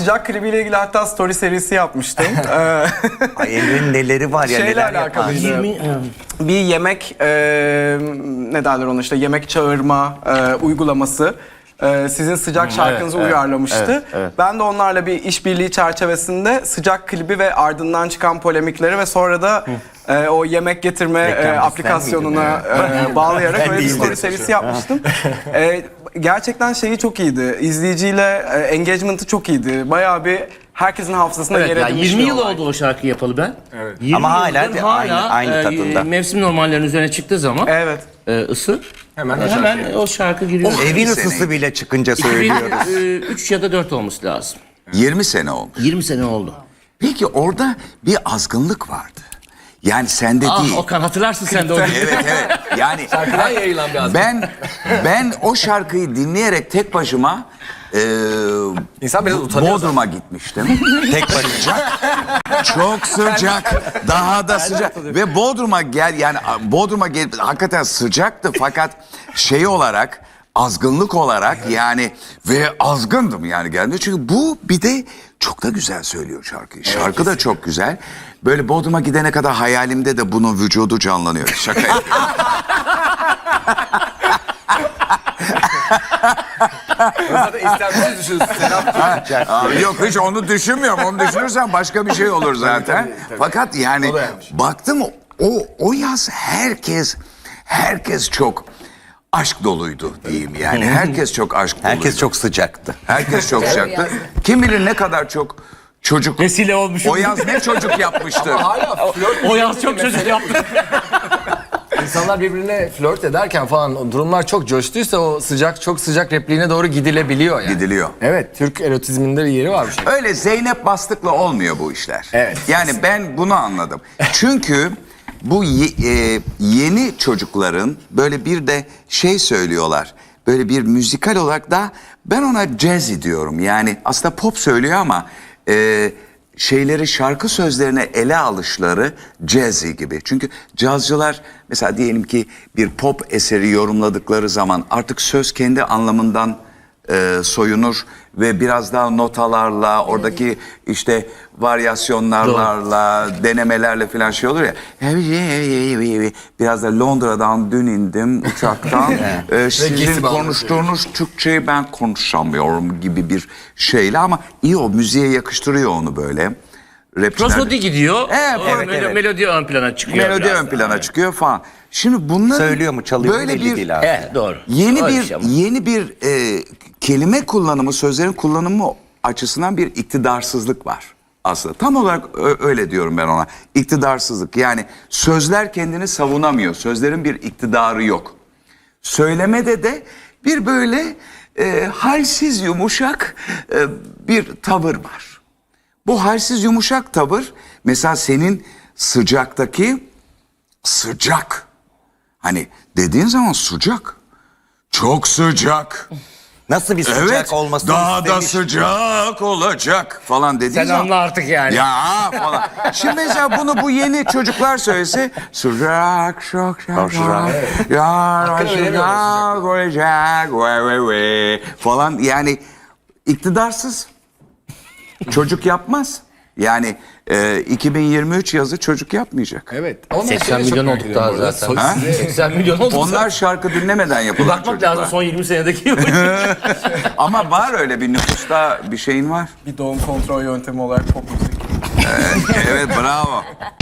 Sıcak klibiyle ilgili hatta story serisi yapmıştım. Ay Emre'nin neleri var ya, Şeyle neler yapar. alakalıydı. Bir yemek, ne derler ona, işte yemek çağırma uygulaması. Sizin sıcak şarkınızı uyarlamıştı. evet. Ben de onlarla bir işbirliği çerçevesinde sıcak klibi ve ardından çıkan polemikleri ve sonra da o yemek getirme aplikasyonuna bağlayarak öyle bir story serisi yapmıştım. Gerçekten şeyi çok iyiydi. İzleyiciyle engagement'ı çok iyiydi. Bayağı bir herkesin hafızasında yer Evet, ya edinmiş 20 bir yıl olay. oldu o şarkıyı yapalı ben. Evet. 20 Ama hala yıldır aynı tadında. Mevsim normallerinin üzerine çıktığı zaman Evet. ısı hemen o şarkı giriyor. Evin ısısı bile çıkınca söylüyoruz. 3 ya da 4 olması lazım. 20 sene olmuş. 20 sene oldu. Peki orada bir azgınlık vardı. Yani sende değil. Okan hatırlarsın sen de o. Evet. Yani Şarkıdan yayılan bir azgınlık. ben o şarkıyı dinleyerek tek başıma İnsan biraz utanıyor. Bodrum'a gitmiştim. Tek başıma. Çok sıcak. Daha da sıcak. Ve Bodrum'a gel hakikaten sıcaktı fakat şey olarak, azgınlık olarak yani, ve azgındım yani geldi. Çünkü bu bir de çok da güzel söylüyor şarkıyı. Şarkı da çok güzel. Böyle Bodrum'a gidene kadar hayalimde de bunun vücudu canlanıyor. Şaka yapıyorum. Zaten istemsiz düşünüyorsun. Abi yok, hiç onu düşünmüyorum. Onu düşünürsen başka bir şey olur zaten. Fakat yani baktım o yaz herkes çok aşk doluydu diyeyim yani. Herkes çok aşk doluydu. Herkes çok sıcaktı. Herkes çok sıcaktı. Kim bilir ne kadar çok çocuk. Vesile olmuşum. O yaz ne çocuk yapmıştır. Hala flört. O yaz çok çocuk yaptı. İnsanlar birbirine flört ederken falan o durumlar çok coştuysa o çok sıcak repliğine doğru gidilebiliyor yani. Gidiliyor. Evet, Türk erotizminde bir yeri var bu şey. Öyle Zeynep Bastık'la olmuyor bu işler. Evet. Yani ben bunu anladım. Çünkü bu yeni çocukların böyle bir de şey söylüyorlar. Böyle bir müzikal olarak da ben ona jazzy diyorum. Yani aslında pop söylüyor ama şeyleri, şarkı sözlerine ele alışları jazzy gibi. Çünkü cazcılar mesela diyelim ki bir pop eseri yorumladıkları zaman artık söz kendi anlamından soyunur ve biraz daha notalarla, oradaki işte varyasyonlarla, denemelerle falan şey olur ya. Biraz da Londra'dan dün indim uçaktan. Sizin konuştuğunuz Türkçeyi ben konuşamıyorum gibi bir şeyle, ama iyi, o müziğe yakıştırıyor onu böyle. Prosody gidiyor. Evet. Melodi ön plana çıkıyor. Melodi ön plana çıkıyor falan. Şimdi bunlar Söylüyor mu, çalıyor mu belli değil abi. Evet, doğru. Yeni bir kelime kullanımı, sözlerin kullanımı açısından bir iktidarsızlık var aslında. Tam olarak öyle diyorum ben ona. İktidarsızlık, yani sözler kendini savunamıyor. Sözlerin bir iktidarı yok. Söylemede de bir böyle halsiz yumuşak bir tavır var. Bu halsiz yumuşak tavır mesela senin sıcaktaki sıcak. Hani dediğin zaman sıcak. Çok sıcak. Nasıl bir sıcak Evet, olmasını daha da istemiş. sıcak olacak falan dediğin Sen zaman. anla artık yani. Ya falan. Şimdi mesela bunu bu yeni çocuklar söylese sıcak çok sıcak. Ya sıcak olacak falan, yani iktidarsız. Çocuk yapmaz. Yani 2023 yazı çocuk yapmayacak. Evet. 80 milyon olduk daha zaten. Ha? 80 milyon olduk. Onlar şarkı dinlemeden yapılan Bakmak çocuklar. lazım son 20 senedeki. Ama var öyle bir nüfusta bir şeyin var. Bir doğum kontrol yöntemi olarak pop müzik. Evet, bravo.